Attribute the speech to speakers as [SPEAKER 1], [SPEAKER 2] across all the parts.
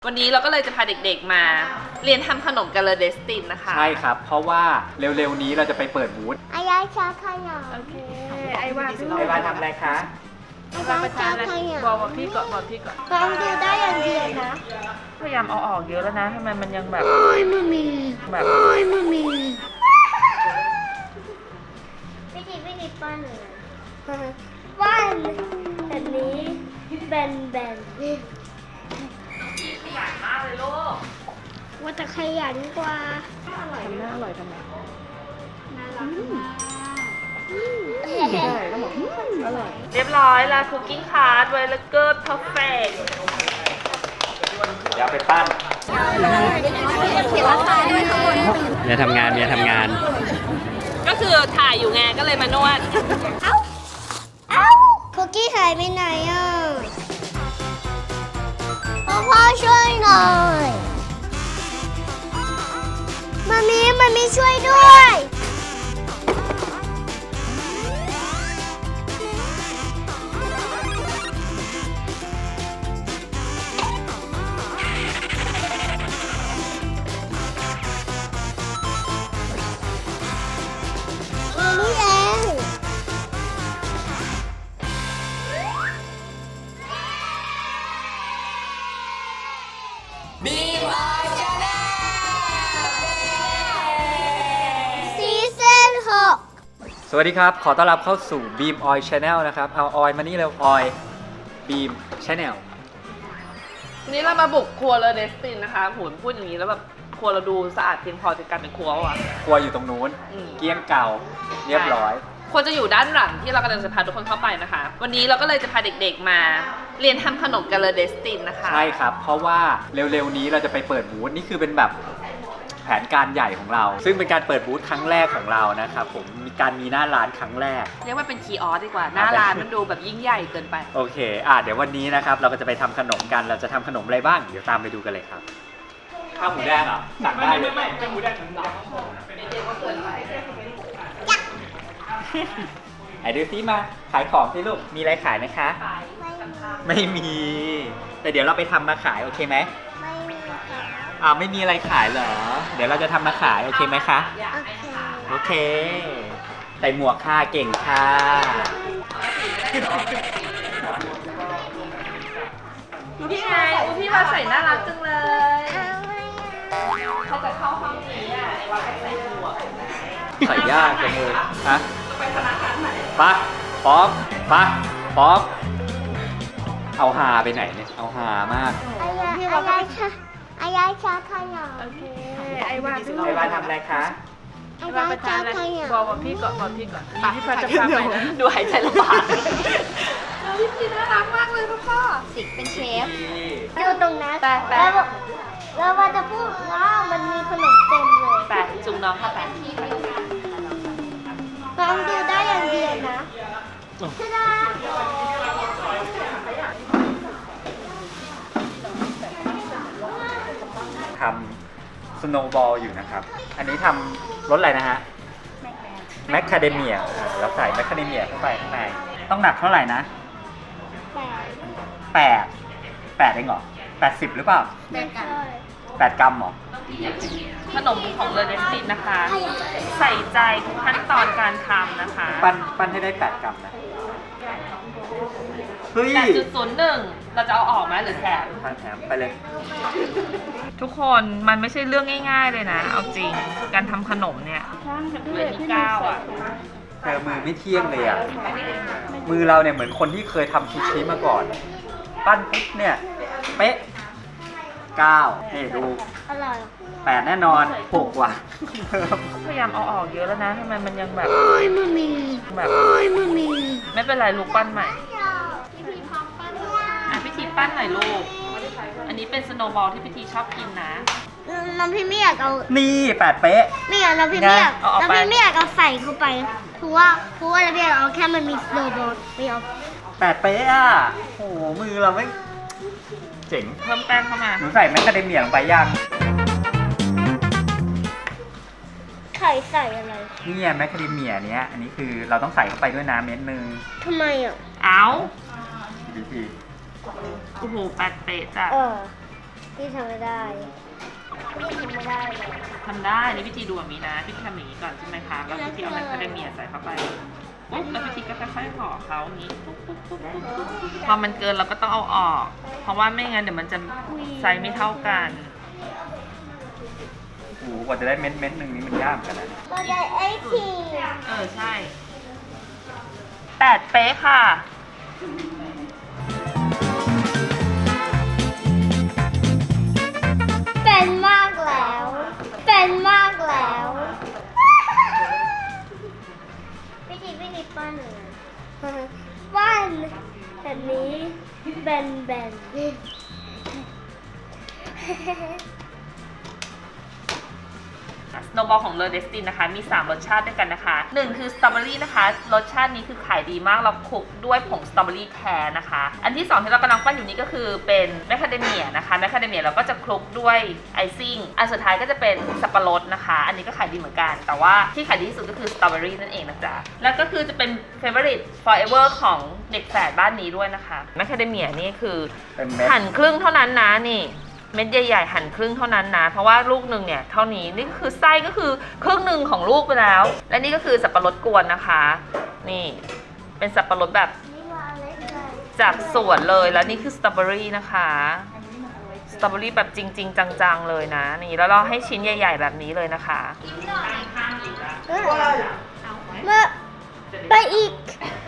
[SPEAKER 1] วันนี้เราก็เลยจะพาเด็กๆมาเรียนทำขนมกันเลยเดสตินนะคะ
[SPEAKER 2] ใช่ครับเพราะว่าเร็วๆนี้เราจะไปเปิดบูธ
[SPEAKER 3] อายาชาขยะโอเค
[SPEAKER 1] ไอวา
[SPEAKER 2] ทำอะไรคะ
[SPEAKER 3] อายาชาขยะ
[SPEAKER 1] บอกพี่ก่อนบอกพี่ก่อน
[SPEAKER 3] ลองดูได้อย่างเดียวนะ
[SPEAKER 1] พยายามเอาออกเยอะแล้วนะทำไมมันยังแบบ
[SPEAKER 3] โอ้ยมันมี
[SPEAKER 1] แบบ
[SPEAKER 3] โอ้ยมันมีวิธีปั้นเลยปั้นแบบนี้แบน
[SPEAKER 1] ขยันมากเลยลูก
[SPEAKER 3] ว่าจะขยันกว่า
[SPEAKER 1] ทำหน้าอร่อยทำไม
[SPEAKER 3] น่ารักมาก
[SPEAKER 1] อร่อยเรียบร้อยแล้วคุกกิ้งคาร์ดไวเลเกอร์เพอร์เฟกต์
[SPEAKER 2] อย่าไปปั้นอย่าทำงาน
[SPEAKER 1] ก็คือถ่ายอยู่ไงก็เลยมานวด
[SPEAKER 3] เอ้าคุกกี้หายไปไหนอ่ะพ่อช่วยหน่อยมามีช่วยด้วยนี่เอง
[SPEAKER 1] บีมออยชาแนล
[SPEAKER 3] ซีซั่น6
[SPEAKER 2] สวัสดีครับขอต้อนรับเข้าสู่ Beam Oil Channel นะครับเอาออยมานี่เร็วออย Beam Channel
[SPEAKER 1] วันนี้เรามาบุกครัวเลยเดสตินนะคะโหพูดอย่างนี้แล้วแบบครัวเราดูสะอาดเพียงพอจะกลายเป็นครัวอ่ะ
[SPEAKER 2] ครัวอยู่ตรงนู้นเกลี้ยงเก่าเรียบร้อย
[SPEAKER 1] ควรจะอยู่ด้านหลังที่เรากำลังจะพาทุกคนเข้าไปนะคะ วันนี้เราก็เลยจะพาเด็กๆมาเรียนทำขนมกันเลยเดสตินนะคะ
[SPEAKER 2] ใช่ครับเพราะว่าเร็วๆนี้เราจะไปเปิดบูธนี่คือเป็นแบบแผนการใหญ่ของเราซึ่งเป็นการเปิดบูธครั้งแรกของเรานะครับผมมีหน้าร้านครั้งแรก
[SPEAKER 1] เรียกว่าเป็นคีย์ออสดีกว่าหน้าร้านมันดูแบบยิ่งใหญ่เกินไป
[SPEAKER 2] โอเคเดี๋ยววันนี้นะครับเราก็จะไปทำขนมกันเราจะทำขนมอะไรบ้างเดี๋ยวตามไปดูกันเลยครับข้าวหมูแดงเหรอสั่งได้เลยไม่หมูแดงถึงเราไอ้ดูซิมาขายของที่ลูกมีอะไรขายไหมคะไม่มีแต่เดี๋ยวเราไปทำมาขายโอเคไหม
[SPEAKER 3] ไม่มีค่ะ
[SPEAKER 2] ไม่มีอะไรขายเหรอเดี๋ยวเราจะทำมาขายโอเคไหมคะโอเคใส่หมวกค่ะเก่งค่ะ
[SPEAKER 1] พี่ไงพี่มาใส่น่ารักจังเลยเขาจะเข้าห้องนี้ไอ้ว่าให้ใส่หมวก
[SPEAKER 2] ใส่ยากจังเลยฮะ
[SPEAKER 1] ไปธนาคารไหน
[SPEAKER 2] ปะป๊อปเอาหาไปไหนเนี่ยเอาหามาก
[SPEAKER 3] อายาชาขยะ
[SPEAKER 1] โอเคไอวา
[SPEAKER 2] ทำอะไรคะ
[SPEAKER 3] อายาชาขยะ
[SPEAKER 1] บอกพี่ก่อนพี่ฟ้าจะพาไปดูหายใจลำบากพี่น่ารักมากเลยพ่อ
[SPEAKER 3] สิกเป็นเชฟอยู่ตรงนั้นแล้วว่าจะพูดว่ามันมีขนมเต็มเลย
[SPEAKER 1] ไปจุงน้องค่ะไป
[SPEAKER 3] ลองดูได้อย่างเดียวนะ
[SPEAKER 2] ทำสโนว์บอลอยู่นะครับอันนี้ทำรสอะไรนะฮะแมคคาเดเมียเราใส่แมคคาเดเมียเข้าไปข้างในต้องหนักเท่าไหร่นะ8เองเหรอ80หรือเปล่า8 กรัมเหรอ
[SPEAKER 1] ขนมของเลเดสตินนะคะใส่ใจทุกขั้นตอนการทำนะคะ
[SPEAKER 2] ปั้นให้ได้8 กรัมนะเฮ้ย
[SPEAKER 1] 8.01เราจะเอาออกไหมหรือแถ
[SPEAKER 2] มไปเลย
[SPEAKER 1] ทุกคนมันไม่ใช่เรื่องง่ายๆเลยนะเอาจริงการทำขนมเนี่ยเลยที่9อ่ะ
[SPEAKER 2] เธอมือไม่เที่ยงเลยอ่ะมือเราเนี่ยเหมือนคนที่เคยทำซูชิมาก่อนปั้นปุ๊บเนี่ยเป๊ะ9นี่ดู
[SPEAKER 3] อร่อย
[SPEAKER 2] 8แน่นอน6กว่า
[SPEAKER 1] พยายามเอาออกเยอะแล้วนะทำไมมันยังแบบ
[SPEAKER 3] โอ้ยมันมี
[SPEAKER 1] แบบไม่เป็นไรลูกปั้นใหม่พิธีปั้นหน่อยลูกอันนี้เป็นสโนว์บอลที่พิธีชอบกินนะ
[SPEAKER 3] น้องพี่ไม่อยากเอา
[SPEAKER 2] นี่8เป๊ะ
[SPEAKER 3] ไม่อยากน้องพี่ไม่อยากเอาใส่เข้าไปเพราะว่าเราพี่อยากเอาแค่มันมีสโนว์บอลไม่เอา
[SPEAKER 2] 8เป๊ะอ่ะโอ้มือเราไม่เจ๋ง
[SPEAKER 1] เพิ่มแป้งเข้ามา
[SPEAKER 2] หนูใส่แมคคาเดเมียลงไปยัง
[SPEAKER 3] ใส่อะไร
[SPEAKER 2] นี่แมคคาเดเมียเนี้ยอันนี้คือเราต้องใส่เข้าไปด้วยน้ำเม็ดนึง
[SPEAKER 3] ทำไมอ่ะ
[SPEAKER 1] เอา
[SPEAKER 2] วิธี
[SPEAKER 1] โอ้โห8เป๊ะจ้ะ
[SPEAKER 3] พี่ทำไม่ได้พี่ทำไม่ได้เลย
[SPEAKER 1] ทำได้นี่วิธีดูแบบนี้นะพี่ทำอย่างนี้ก่อนใช่ไหมคะแล้วพี่เอาแมคคาเดเมียใส่เข้าไปปุ๊บแล้วพี่ก็ค่อยๆห่อเขาอย่างนี้ปุ๊บปุ๊บปุ๊บปุ๊บพอมันเกินเราก็ต้องเอาออก เพราะว่าไม่งั้นเดี๋ยวมันจะไซส์ไม่เท่ากัน
[SPEAKER 2] โอ้โหกว่าจะได้เม็ดหนึ่งนี้มันยากเหมือนกันนะ
[SPEAKER 3] ก็ได้ไอที
[SPEAKER 1] ใช่8 เป๊ะค่ะ
[SPEAKER 3] เป็นมากแล้ว เป็นมากแล้วพี่ทีปั้นเลยปั้นแบบนี้แบน
[SPEAKER 1] สโนว์บอลของเลอเดสตินนะคะมี 3 รสชาติด้วยกันนะคะ 1 คือสตรอเบอรี่นะคะรสชาตินี้คือขายดีมากเราคลุกด้วยผงสตรอเบอรี่แท้นะคะ อันที่ 2 ที่เรากำลังปั้นอยู่นี้ก็คือเป็นแมคคาเดเมียนะคะแมคคาเดเมียเราก็จะคลุกด้วยไอซิ่งอันสุดท้ายก็จะเป็นสับปะรดนะคะ อันนี้ก็ขายดีเหมือนกัน แต่ว่าที่ขายดีที่สุดก็คือสตรอเบอรี่นั่นเองนะจ๊ะแล้วก็คือจะเป็น favorite forever ของเด็กแฝดบ้านนี้ด้วยนะคะแมคคาเดเมียนี่คือ
[SPEAKER 2] เป็นเม็ด
[SPEAKER 1] หั่นครึ่งเท่านั้นนะนี่เม็ดใหญ่ๆหั่นครึ่งเท่านั้นนะเพราะว่าลูกหนึ่งเนี่ยเท่านี้นี่คือไส้ก็คือครึ่งหนึ่งของลูกไปแล้ว และนี่ก็คือสับปะรดกวนนะคะ นี่เป็นสับปะรดแบบ
[SPEAKER 3] นี่ว่าอะไรเลย
[SPEAKER 1] จากสวนเลยแล้วนี่คือสตรอเบอรี่นะคะสตรอเบอรี่แบบจริงๆจังๆเลยนะนี่แล้วเราให้ชิ้นใหญ่ ๆแบบนี้เลยนะคะ
[SPEAKER 3] มาไปอีก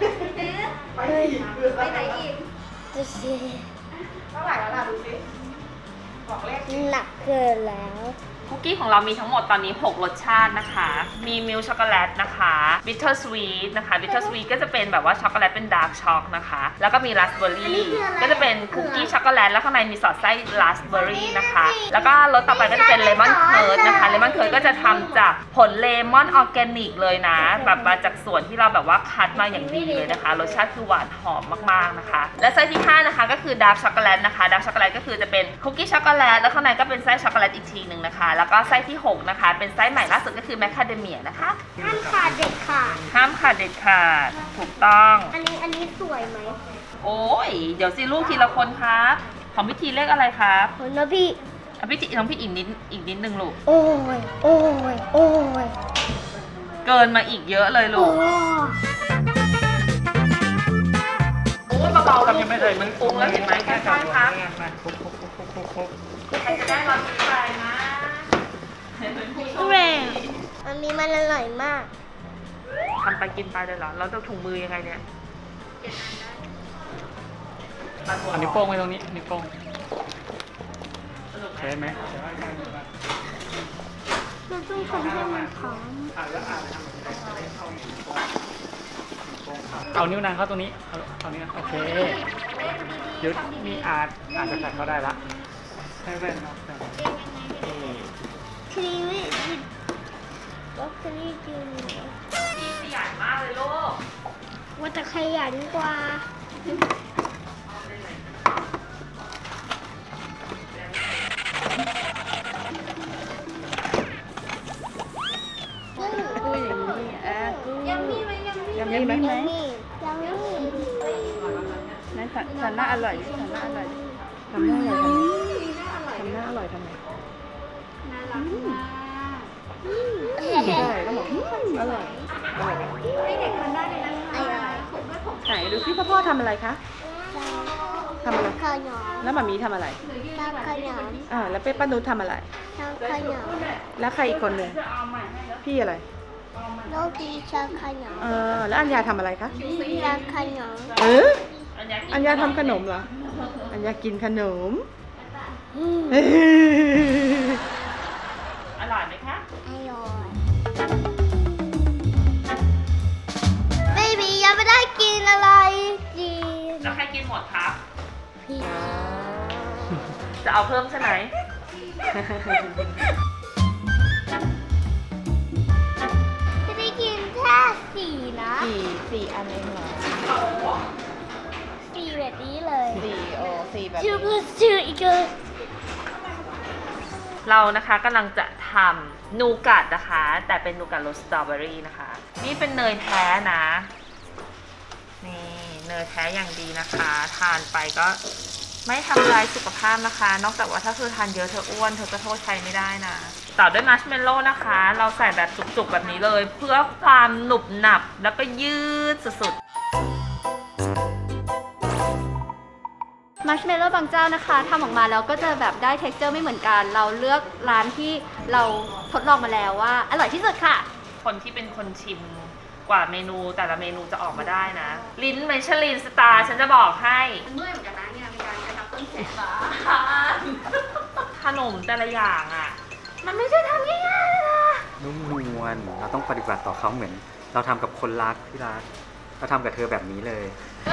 [SPEAKER 4] ไปไหนอีก
[SPEAKER 3] ดูสิ
[SPEAKER 4] เท่าไหร่แล้วล่ะดูสิบอกเลข
[SPEAKER 3] หนักเกินแล้ว
[SPEAKER 1] คุกกี้ของเรามีทั้งหมดตอนนี้ 6 รสชาตินะคะ มีมิลช็อกโกแลตนะคะบิทเทอร์สวีทนะคะบิทเทอร์สวีทก็จะเป็นแบบว่าช็อกโกแลตเป็นดาร์กช็อกนะคะ แล้วก็มีราสเบอร์รี่ก็จะเป็นคุกกี้ช็อกโกแลตแล้วข้างในมีสอดไส้ราสเบอร์รี่นะคะ แล้วก็รสต่อไปก็จะเป็นเลมอนเคิร์ดนะคะเลมอนเคิร์ดก็จะทำจากผลเลมอนออร์แกนิกเลยนะ แบบมาจากสวนที่เราแบบว่าคัดมาอย่างดีเลยนะคะ รสชาติคือหวานหอมมากๆนะคะ และไส้ที่ 5 นะคะก็คือดาร์กช็อกโกแลตนะคะดาร์กช็อกโกแลตก็คือจะเป็นคุกกี้ช็อกโกแลตแล้วข้างในก็เป็นไส้ช็อกโกแลตอีกทีหนึ่งนะคะ แล้วก็ไส้ที่ 6 นะคะ เป็นไส้ใหม่ล่าสุดก็คือแมคคาเดเมียนะคะ
[SPEAKER 3] ห้ามขาดเด็ดขาด
[SPEAKER 1] ห้ามขาดเด็ดขาดถูกต้อง
[SPEAKER 3] อันนี้สวยไหม
[SPEAKER 1] โอ้ยเดี๋ยวสิลูกทีละคนครับของพิธีเลขอะไรครับ
[SPEAKER 3] โอ้ยนะพี่
[SPEAKER 1] อ่ะพิธีน้องพี่อีกนิดนึงลูก
[SPEAKER 3] โอ้ย โอ้ย โอ้ย
[SPEAKER 1] เกินมาอีกเยอะเลยลู
[SPEAKER 3] โอ้
[SPEAKER 1] ก โอ้ยเบาๆ
[SPEAKER 2] ครับยังไม่เคยมัน
[SPEAKER 1] ปรุงแล้วเห็นไหมค่อยๆครับ
[SPEAKER 2] มาคุก
[SPEAKER 1] ใครจะได้รับไปนะเห็นเป็นผู้โชค
[SPEAKER 3] แร
[SPEAKER 1] ดี
[SPEAKER 3] งมันมีมันอร่อยมาก
[SPEAKER 1] ทำไปกินไปเลยเหรอเราจะถุงมือยังไงเนี่ย
[SPEAKER 2] อันนี้วโป้งไว้ตรงนี้นิ้วโป้งใช่ไหม
[SPEAKER 3] เราต้องทำให้มันหอม
[SPEAKER 2] เอานิ้วนางเข้าตรงนี้เอานิ้วโอเคยุดมีอาจจะใส่เข้าได้ละให้แว่นเนาะ
[SPEAKER 3] ครีมวิก็ครีมกิน
[SPEAKER 1] พี่ขยันมากเลยลูก
[SPEAKER 3] ว่าจะขยันกว่า
[SPEAKER 4] กูอย่างนี้กูยังมีไหมยังมี
[SPEAKER 3] ยังมียังมี
[SPEAKER 4] นั่นสันหน้าอร่อยดิสันหน้าอร่อยดิทำหน้าอร่อยทำไงทำหน้าอร่อยทำไงใช่ก็บอกอร่อยไหนดูสิพ่อทำอะไรคะทำอะไร
[SPEAKER 3] ข้าวเหนียว
[SPEAKER 4] แล้วหมามีทำอะไร
[SPEAKER 3] ข้าวเหนียว
[SPEAKER 4] แล้วเป้ป้านุชทำอะไร
[SPEAKER 3] ข้าวเหนียว
[SPEAKER 4] แล้วใครอีกคนหนึ่งพี่อะไร
[SPEAKER 3] โรตีชาข้าวเหนียว
[SPEAKER 4] แล้วอัญญาทำอะไรคะ
[SPEAKER 3] ชาข้าวเหนียว
[SPEAKER 4] อัญญาทำขนมเหรอ อัญญากินขนม
[SPEAKER 1] อร่อยไหมคะ
[SPEAKER 3] อร่อยไม่มียังไม่ได้กินอะไรกิน
[SPEAKER 1] แล้วใครกินหมดครับ
[SPEAKER 3] พี่
[SPEAKER 1] จะเอาเพิ่มใช่ไหม
[SPEAKER 3] จะได้กินแค่สี่นะ
[SPEAKER 4] สี่อันเองเหรอ
[SPEAKER 3] สี่แบบนี้เลย
[SPEAKER 4] สี่แบบ
[SPEAKER 3] ชื่อplus two อีกเลย
[SPEAKER 1] เรานะคะกำลังจะทำนูกัดนะคะ แต่เป็นนูกัดรสสตรอเบอรี่นะคะ นี่เป็นเนยแท้นะ นี่เนยแท้อย่างดีนะคะ ทานไปก็ไม่ทำลายสุขภาพนะคะ นอกจากว่าถ้าเธอทานเยอะเธออ้วนเธอก็โทษใครไม่ได้นะ ต่อด้วยมัชเมลโล่นะคะ เราใส่แบบจุกๆแบบนี้เลย เพื่อความหนุบหนับแล้วก็ยืดสุด
[SPEAKER 4] มัชเมลโล่บางเจ้านะคะทำออกมาแล้วก็จะแบบได้ texture ไม่เหมือนกัน เราเลือกร้านที่เราทดลองมาแล้วว่าอร่อยที่สุดค่ะ
[SPEAKER 1] ๆ คนที่เป็นคนชิมกว่าเมนูแต่ละเมนูจะออกมาได้นะ ลิ้นไมชลินสตาร์ฉันจะบอกให้
[SPEAKER 4] เมื่อยเหมือนกันนะเนี่ยมีการกระชับต้นแขน
[SPEAKER 1] ขนมแต่ละอย่างอ่ะ มันไม่ใช่ทำง่ายๆเลยนะ
[SPEAKER 2] นุ่มนวลเราต้องปฏิบัติต่อเขาเหมือน เราทำกับคนรักที่รักเราทำกับเธอแบบนี้เลย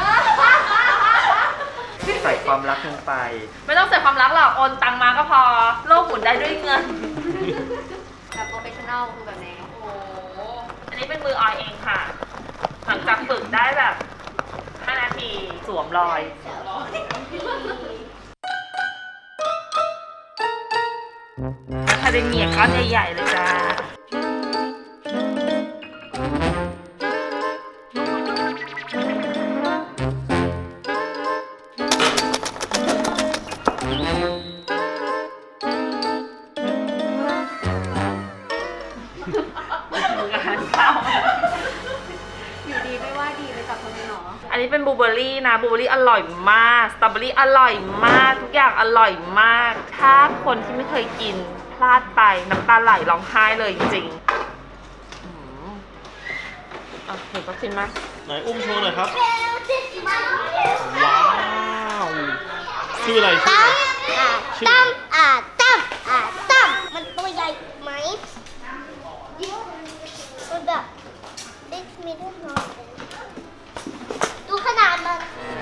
[SPEAKER 2] ใส่ความรักลงไป
[SPEAKER 1] ไม่ต้องใส่ความรักหรอกโอนตังมาก็พอ โลกหมุนได้ด้วยเงิน
[SPEAKER 4] แบบโปรเฟชชั่นอลคือแบบนี้
[SPEAKER 1] โอ้โห อันนี้เป็นมือออยเองค่ะ หลังจากฝึกได้แบบ 5 นาทีสวมรอย คาเดเมียก้อนใหญ่ๆเลยจ้า งานเข้า
[SPEAKER 4] อยู่ดีไม่ว่าดีเลยจับคนนี้หรอ
[SPEAKER 1] อันนี้เป็นบลูเบอร์รี่นะบลูเบอร์รี่อร่อยมาก สตรอเบอรี่อร่อยมาก ทุกอย่างอร่อยมาก ถ้าคนที่ไม่เคยกินพลาดไปน้ำตาไหลร้องไห้เลยจริงๆเห็นก็ชิมไหม
[SPEAKER 5] ไหนอุ้มโชว์หน่อยครับ ว้าว ชื่ออะไรชื่ออะไร
[SPEAKER 3] ตั้มตั้มมันตัวใหญ่ไหมมันแบบเล็กมีด้วยน้อยดูขนาดมัน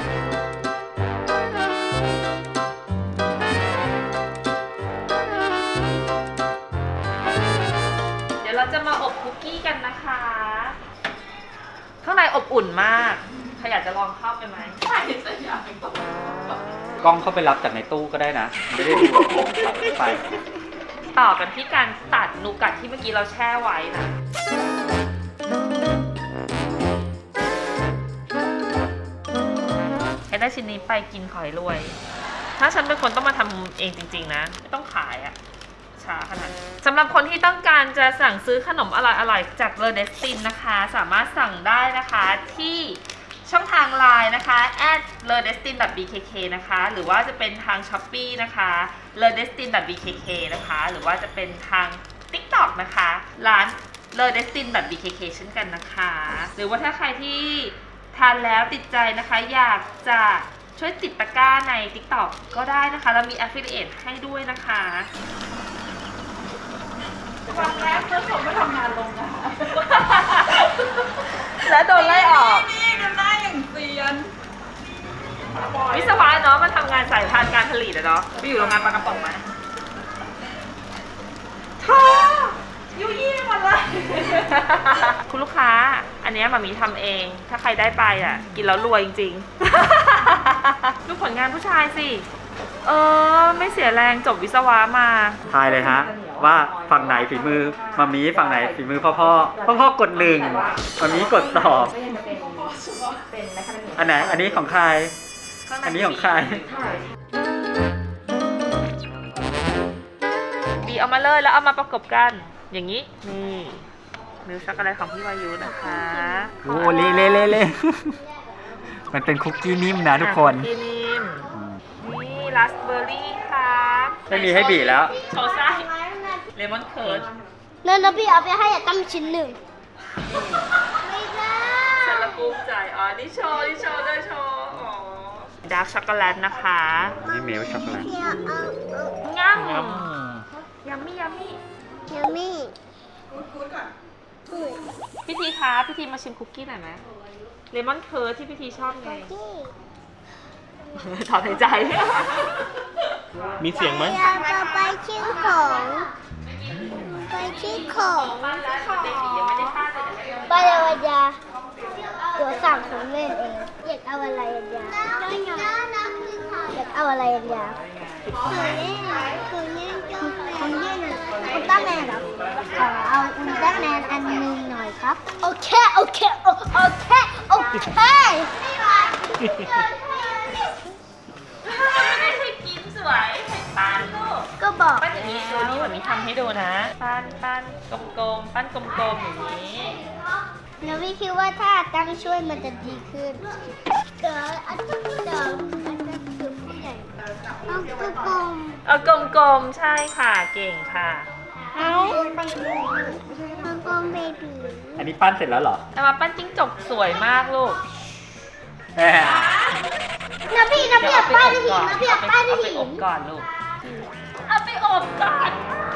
[SPEAKER 1] เดี๋ยวเราจะมาอบคุกกี้กันนะคะ ข้างในอบอุ่นมากใครอยากจะลองเข้าไปไหมใช่จะอยาก
[SPEAKER 2] กล้องเข้าไปรับจากในตู้ก็ได้นะ ไม่ได้ดูไป
[SPEAKER 1] ต่อกันที่การตัดนูกัดที่เมื่อกี้เราแช่ไว้นะ ให้ได้ชิ้นนี้ไปกินขอยรวย ถ้าฉันเป็นคนต้องมาทำเองจริงๆนะ ไม่ต้องขายอะช้าขนาดนั้นสำหรับคนที่ต้องการจะสั่งซื้อขนมอร่อยๆจากเลอเดสตินนะคะ สามารถสั่งได้นะคะที่ช่องทาง Line นะคะ @ledestin.bkk นะคะ หรือว่าจะเป็นทาง Shopee นะคะ ledestin.bkk นะคะ หรือว่าจะเป็นทาง TikTok นะคะ ร้าน ledestin.bkk เช่นกันนะคะ หรือว่าถ้าใครที่ทานแล้วติดใจนะคะ อยากจะช่วยติดตะกร้าใน TikTok ก็ได้นะคะ เรามี Affiliate ให้ด้วยนะคะ
[SPEAKER 4] วันแรกเพื่อนผมก็ทำงานลงนะคะ
[SPEAKER 1] แล้วโดนไล่ออก
[SPEAKER 4] นี่ดูหน้าอย่างเซียน
[SPEAKER 1] วิศวะเนาะมันทำงานสายพานการผลิตอะเนาะไปอยู่โรงงานปลากระป๋องมาท้อยุ่ยี่หมดเลย คุณลูกค้า อันเนี้ยมามีทำเอง ถ้าใครได้ไปอ่ะ กินแล้วรวยจริงๆ ดูผลงานผู้ชายสิ ไม่เสียแรงจบวิศวะมา
[SPEAKER 2] ทายเลยฮะ ว่าฝั่งไหนฝีมือมามีฝั่งไหนฝีมือพ่อกดหนึ่งมามีกดสองอันไหนอันนี้ของใคร อันนี้ของใคร
[SPEAKER 1] บีเอามาเลยแล้วเอามาประกบกัน อย่างนี้ นี่มิลช็อกโกแลตของพี่วายุนะคะ
[SPEAKER 2] โอ้เละมันเป็นคุกกี้นิ่มนะทุกคน
[SPEAKER 1] คุกกี้นิ่มนี่ราสเบอร์รี่ครับ
[SPEAKER 2] ไม่มีให้บีแล้ว
[SPEAKER 1] โชว์ไส้เลมอนเคิร์ด
[SPEAKER 3] นั่นนะพี่เอาไปให้ตั้มชิ้นหนึ่งไม่ได้
[SPEAKER 1] ฉันละกุ้มใจอ๋อนี่โชว์ด้วยโชว์อ๋อดาร์กช็อกโกแลตนะคะ
[SPEAKER 2] นี่เมลช็อกโกแลต
[SPEAKER 3] พี่เอา
[SPEAKER 1] งั้มยัมมี่
[SPEAKER 3] ยังไม่พูด
[SPEAKER 1] พี่ทีคะพี่ทีมาชิมคุกกี้หน่อยไหมเลมอนเคิร์ดที่พี่ทีชอบไง
[SPEAKER 3] ที่
[SPEAKER 1] ถอนหายใจ
[SPEAKER 5] มีเสียงไหม
[SPEAKER 3] อยากจะไปชิ้นของไปชิ้นของ
[SPEAKER 1] บ้านแล้วเบบียังไม่ได้ป้าเลย
[SPEAKER 3] ไปเลยวันยาเดี๋ยวสั่งของเล่นเองอยากเอาอะไรวันยาอยากเอาอะไรวันยาของเล่นอุลตร้าแมนเหรอขอเอาอุลตร้าแมนอันหนึงหน่อยครับโอเคบอก
[SPEAKER 1] ปั้นอย่างนี้ดูนี่แบบนี้ทำให้ดูนะ ปั้นกลมๆปั้นกลมๆอย่างนี้
[SPEAKER 3] แล้วพี่คิดว่าถ้าตั้งช่วยมันจะดีขึ้นเดี๋ยวอันนั้นคือผู้ใหญ่ต้องคือกลม
[SPEAKER 1] เอากลมๆใช่ค่ะเก่งค่ะ
[SPEAKER 3] เอาไปดูกลมเบบี
[SPEAKER 2] อันนี้ปั้นเสร็จแล้วเหรอ
[SPEAKER 1] แต่มาปั้นจิ้งจกสวยมากลูก
[SPEAKER 2] แหม
[SPEAKER 3] น้ำพี่อยากป้ายที่หินน้ำพี่อยากป้ายที่
[SPEAKER 1] เอาไป
[SPEAKER 3] หิ
[SPEAKER 1] อน บก่อนลูก เอาไปอบก่อน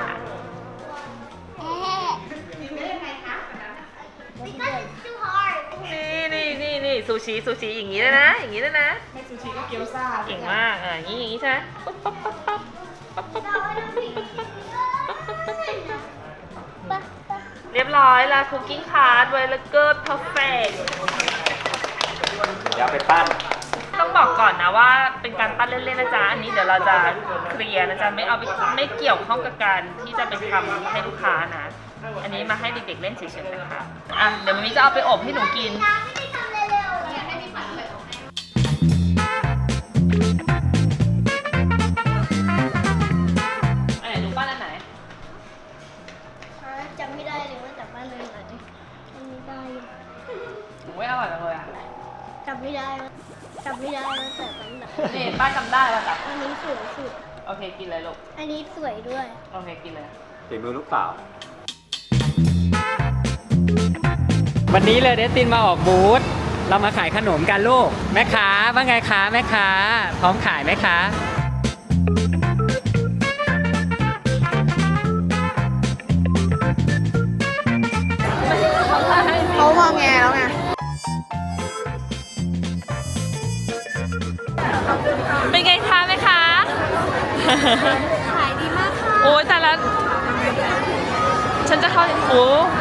[SPEAKER 3] Because it's too hard
[SPEAKER 1] นี่ซูชิอย่างนี้เลยนะ อย่างนี้เลยนะให้ซูชิก็เกี๊ยวซ่าเก่งมากอย่างนี้ใช่ไหมปั๊บปั๊บปั๊บปั๊บปั๊บปั๊บปั๊บปั๊บเรียบร้อยแล้วคุกกิ้งคาร์ดไวเลเกอร์เพอร์เฟก
[SPEAKER 2] เดี๋ยวไปปั้น
[SPEAKER 1] ต้องบอกก่อนนะว่าเป็นการปั้นเล่นๆนะจ๊ะ อันนี้เดี๋ยวเราจะเคลียร์นะจ๊ะไม่เกี่ยวข้องกับการที่จะไปทำให้ลูกค้านะ อันนี้มาให้เด็กๆเล่นเฉยๆนะคะอ่ะเดี๋ยวมันมีจะเอาไปอบให้หนูกิน
[SPEAKER 3] ไม่ได้ทำเร็วๆอยากให้พี่ฝันเลย
[SPEAKER 1] อันไหนหนูปั้นอันไหน
[SPEAKER 3] จำไม่ได้เลยว่าแต่บ้านเลยไหนจำไม่ได้
[SPEAKER 1] หนูไม่อร่อยจังเลยอ่ะ
[SPEAKER 3] จำไม่ได้ว่าแต่บ้านไหน
[SPEAKER 1] นี่ป้าจำได้ป่ะจ๊ะ
[SPEAKER 3] อันนี้สวยสุด
[SPEAKER 1] โอเคกินเลยลูก
[SPEAKER 3] อันนี้สวยด้วย
[SPEAKER 1] โอเคกินเลย
[SPEAKER 2] ฝีมือลูกสาว วันนี้เลยเดสตินมาออกบูธ เรามาขายขนมกันลูก แม่ค้าว่าไงคะแม่ค้า พร้อมขายไหมคะ
[SPEAKER 4] เขามองแงแล้วไง
[SPEAKER 1] เป็นไงคะแม่ค้า
[SPEAKER 4] ขายดีมากค่ะ
[SPEAKER 1] โอ้ยแต่ละฉันจะเข้าโอ้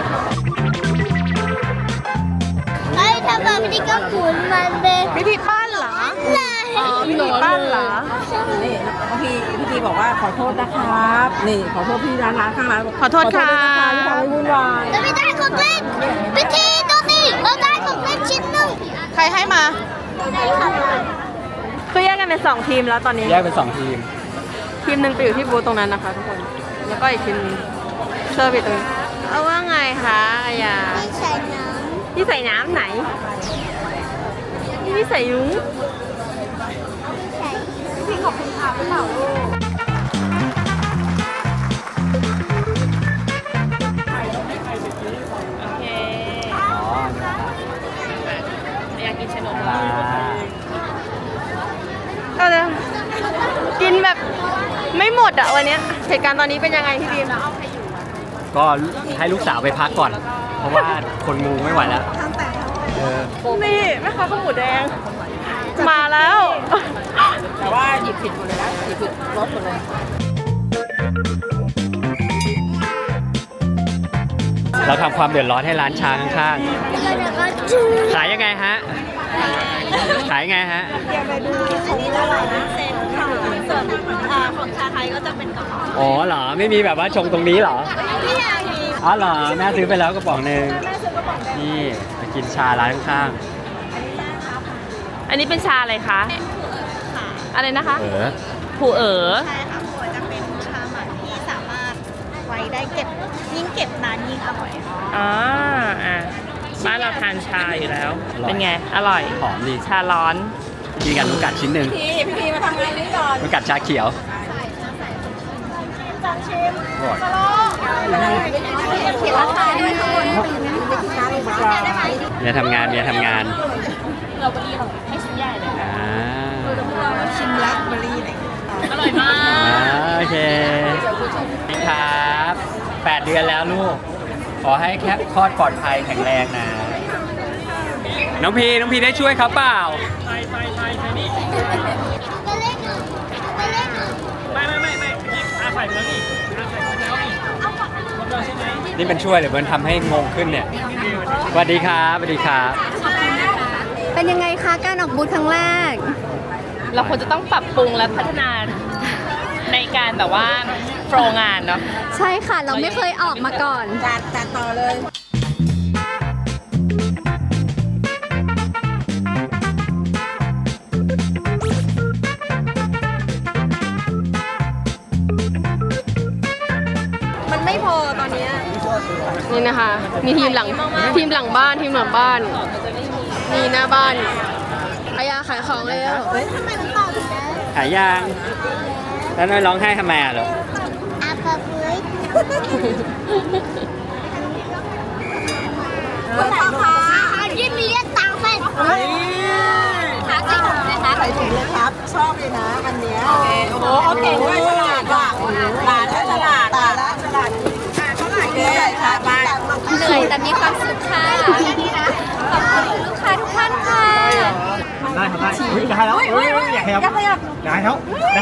[SPEAKER 3] ไอ้ทำแบบนี้ก็หมุนมันเป็น
[SPEAKER 4] วิธีปั้นเหรอ
[SPEAKER 3] เลย
[SPEAKER 4] วิธีปั้นเหรอ
[SPEAKER 6] นี่พี่ทีบอกว่าขอโทษนะครับ นี่ขอโทษพี่ร้านข้างร้าน
[SPEAKER 4] ขอโทษค่ะ
[SPEAKER 6] ที่ทำให้วุ่นวาย
[SPEAKER 3] เราไม่ได้ของเล่นพิธีดูสิเราได้ของเล่นชิ้นหนึ่ง
[SPEAKER 4] ใครให้มา
[SPEAKER 3] ได้ค่ะ
[SPEAKER 4] คือแยกกันเป็น2ทีมแล้วตอนนี้
[SPEAKER 2] แยกเป็น2ทีม
[SPEAKER 4] ทีมหนึ่งไปอยู่ที่บูธตรงนั้นนะคะทุกคน แล้วก็อีกทีมหนึ่งเซอร์วิสตรงนี้เอาว่าไงคะอายา
[SPEAKER 3] ไม่ใช่น้
[SPEAKER 4] พี่ใส่น้ำไหนพี่ใส่ยุ้ง
[SPEAKER 3] ำไม่ใช่
[SPEAKER 4] พี่ขอบคุณค่ะพี่เปล่าลูก
[SPEAKER 1] โอเค
[SPEAKER 2] อ๋อ
[SPEAKER 1] อยากกินขนม
[SPEAKER 2] อ่า
[SPEAKER 4] ก็เลยกินแบบไม่หมดอะวันเนี้ยเหตุการณ์ตอนนี้เป็นยังไงพี่บีม
[SPEAKER 2] ก็ให้ลูกสาวไปพักก่อน เพราะว่าคนงูไม่ไหวแล้วเออ
[SPEAKER 4] นี่แม่ค้าข้าวหมูแดง มาแล้ว
[SPEAKER 6] แต่ว่าหยิบผิดหมดเลยนะหยิบผิดรถหมดเลย
[SPEAKER 2] เราทำความเดือดร้อนให้ร้านชาข้าง
[SPEAKER 3] แล้วก็จู
[SPEAKER 2] ๆ ขายยังไงฮะ ขายยังไงฮะ
[SPEAKER 4] ของชาไทยก็จะเป็นกระป๋อง
[SPEAKER 2] อ๋อเหรอ ไม่มีแบบว่าชงตรงนี้เหรอ
[SPEAKER 3] ไม่อยากมี
[SPEAKER 2] อ๋อเหรอ แม่ซื้อไปแล้วกระป๋องหนึ่งนี่ไปกินชาร้านข้าง
[SPEAKER 1] อันนี้เป็นชาอะไรคะ อะไรนะคะ
[SPEAKER 2] ๆเออ
[SPEAKER 1] ผูเอ๋อ
[SPEAKER 7] ใช่ค่ะหัวจะเป็นชาหมักที่สามารถไว้ได้เก็บยิ่งเก็บนานยิ่งอร่อยค่ะ
[SPEAKER 1] อ๋ออ่ะบ้านเราทานชาอยู่แล้ว เป็นไง อร่อย
[SPEAKER 2] หอมดี
[SPEAKER 1] ชาร้อน
[SPEAKER 2] กินกันลูกกัดชิ้นหนึ่ง
[SPEAKER 6] พี่มาทำงานนี้ก่อน
[SPEAKER 2] ลูกกัดชาเขียวอร่อย
[SPEAKER 6] เขียนราคาด้วยทุกคน
[SPEAKER 2] เมียทำงานเมียทำงาน
[SPEAKER 1] ให้ชิ้นใหญ่เลย
[SPEAKER 2] อ่า
[SPEAKER 6] ชิมลักเบอร์รี่อะไรอย่างเงี้ย
[SPEAKER 1] อร่อยมาก
[SPEAKER 2] โอเคครับ8 เดือนแล้วลูก ขอให้แค่คลอดปลอดภัยแข็งแรงนะ น้องพีได้ช่วยเขาเปล่า
[SPEAKER 3] ก็เล่นหนึ่งก็เล่นหนึ่ง
[SPEAKER 2] นี่เป็นช่วยหรือเป็นทำให้งงขึ้นเนี่ยสวัสดีครับสวัสดีครับ
[SPEAKER 4] เป็นยังไงคะการออกบูธครั้งแรก
[SPEAKER 1] เราควรจะต้องปรับปรุงและพัฒนาในการแบบว่าโฟล์งานเนาะ
[SPEAKER 4] ใช่ค่ะ เราไม่เคยออกมาก่อน
[SPEAKER 6] จัดต่อเลย
[SPEAKER 8] นี่นะคะ มีทีมหลังบ้านนี่หน้าบ้านอายาขายของเลยอ่ะ
[SPEAKER 3] ทำไมมันต่ออยู่นะ
[SPEAKER 2] หายาง แล้วน้อยร้องไห้ทำไมอ่ะลูก
[SPEAKER 3] อาปะเฮ้ยคุณพ่อคะยิ่งมีเรียกตังค์เป็นขาใส่ถุงเลยคะ
[SPEAKER 6] ใส่ถุงเลยครับ ชอบเลยนะอันเนี้ยโอ้โหเขาเก่งด้วยฉลาดว่ะหลานแล้วฉลาดเท่าไหร่เนี่ยค่ะบ้าน
[SPEAKER 4] เหนื่อยแต่มีความสุขค่ะขอบคุณลูกค้าทุกท่านค่ะ
[SPEAKER 2] ทำได้เฮ้ยได้แล้วเฮ้ยอย่าขยับได้แล้วได้แล้ว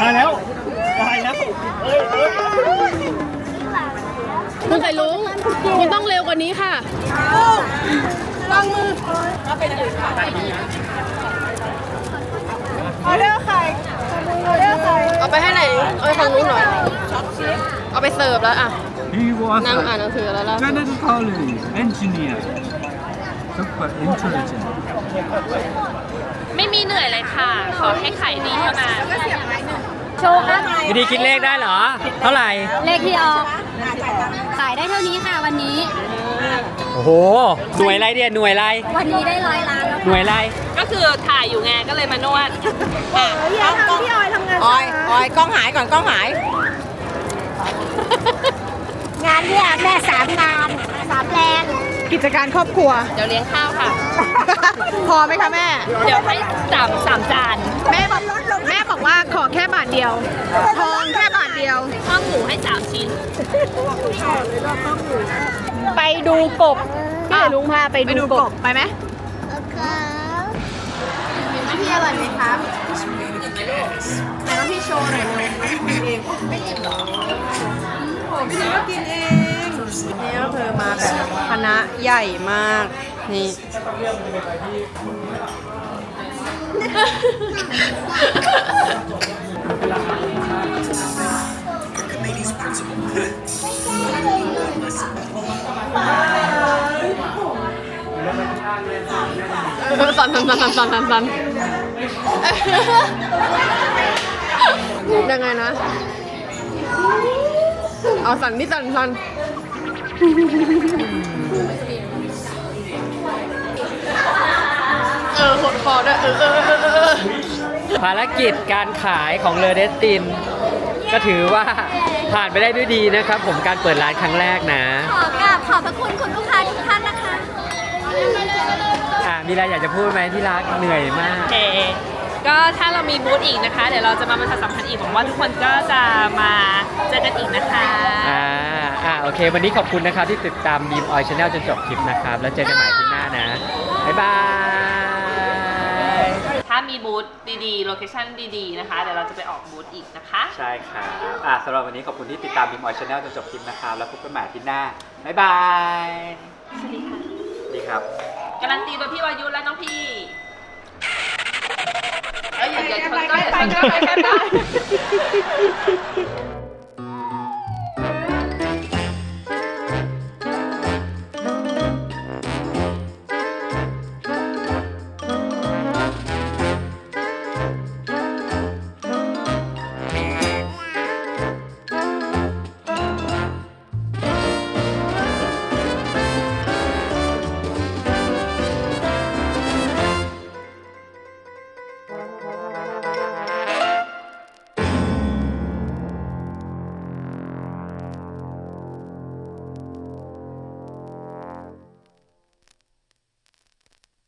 [SPEAKER 8] คุณไข่ลุงคุณต้องเร็วกว่านี้ค่ะวางมือเอาเร็วไข่เอาไปให้ไหนเอาไปฝั่งนู้นหน่อยเอาไปเสิร์ฟแล้วอ่ะ
[SPEAKER 9] He was
[SPEAKER 8] นั่ง
[SPEAKER 9] a
[SPEAKER 8] อ่านหนังสือแล้วล่ะ
[SPEAKER 9] genetically engineered, super intelligent.
[SPEAKER 1] ไม่มีเหนื่อยเลยค่ะ ขอให้ขายดีเท่านั้น
[SPEAKER 4] โชว์ค่ะ
[SPEAKER 2] วิธีคิดเลขได้เหรอ เท่าไหร่
[SPEAKER 4] เลขที่ออกขายได้เท่านี้ค่ะวันนี้
[SPEAKER 2] โอ้โห หน่วยอะไรเดียหน่วยอะไร
[SPEAKER 4] วันนี้ได้100 ล้านแล้ว
[SPEAKER 2] หน่วยอะไร
[SPEAKER 1] ก็คือถ่ายอยู่ไงก็เลยมานวด
[SPEAKER 6] ออยกล้องหายก่อนกล้องหาย
[SPEAKER 3] งานเนี่ยแม่3 งาน 3 แรง
[SPEAKER 8] กิจการครอบครัว
[SPEAKER 1] เดี๋ยวเลี้ยงข้าวค่ะ
[SPEAKER 8] พอไหมคะแม่
[SPEAKER 1] เดี๋ยวให้สามจาน
[SPEAKER 8] แม่บอกว่าขอแค่บาทเดียว ทองแค่บาทเดียว
[SPEAKER 1] ข้าวหมูให้3 ชิ้น
[SPEAKER 8] ไปดูกบพี่เอ๋ลุงพาไปดูกบไปไหม
[SPEAKER 3] โอเค
[SPEAKER 8] พี่อร่อยไหมครับไหนลองพี่โชว์หน่อยเลยพี่กินเองไม่กินหรอโอ้พี่นุ้ยก็กินเองนี่ก็คือมาแบบคณะใหญ่มากนี่สันยังไงนะ เอาสันที่สันหดคอด้วย
[SPEAKER 2] ภารกิจการขายของเลอเดสติน ก็ถือว่าผ่านไปได้ด้วยดีนะครับ ผมการเปิดร้านครั้งแรกนะ
[SPEAKER 4] ขอกราบขอบพระคุณคุณลูกค้าทุกท่านนะคะ
[SPEAKER 2] มีอะไรอยากจะพูดไหมที่รักเหนื่อยมาก
[SPEAKER 1] โอเค ก็ถ้าเรามีบูธอีกนะคะ เดี๋ยวเราจะมาประชาสัมพันธ์อีกหวังว่าทุกคนก็จะมาเจอกันอีกนะคะ
[SPEAKER 2] โอเค วันนี้ขอบคุณนะครับที่ติดตามบีมออยชาแนลจนจบคลิปนะครับ แล้วเจอกันใหม่คลิปหน้านะ บ๊ายบาย
[SPEAKER 1] ถ้ามีบูธดีๆ โลเคชั่นดีๆ นะคะ เดี๋ยวเราจะไปออกบูธอีกนะคะ
[SPEAKER 2] ใช่ครับสำหรับวันนี้ขอบคุณที่ติดตามบีมออยชาแนลจนจบคลิปนะครับ แล้วพบกันใหม่อาที่หน้า บ๊ายบาย
[SPEAKER 1] สวัสดีค่ะ
[SPEAKER 2] ดีครับ
[SPEAKER 1] การันตีโดยพี่วายุและน้องพี่อย่าชนก็อย่าชนก็ไป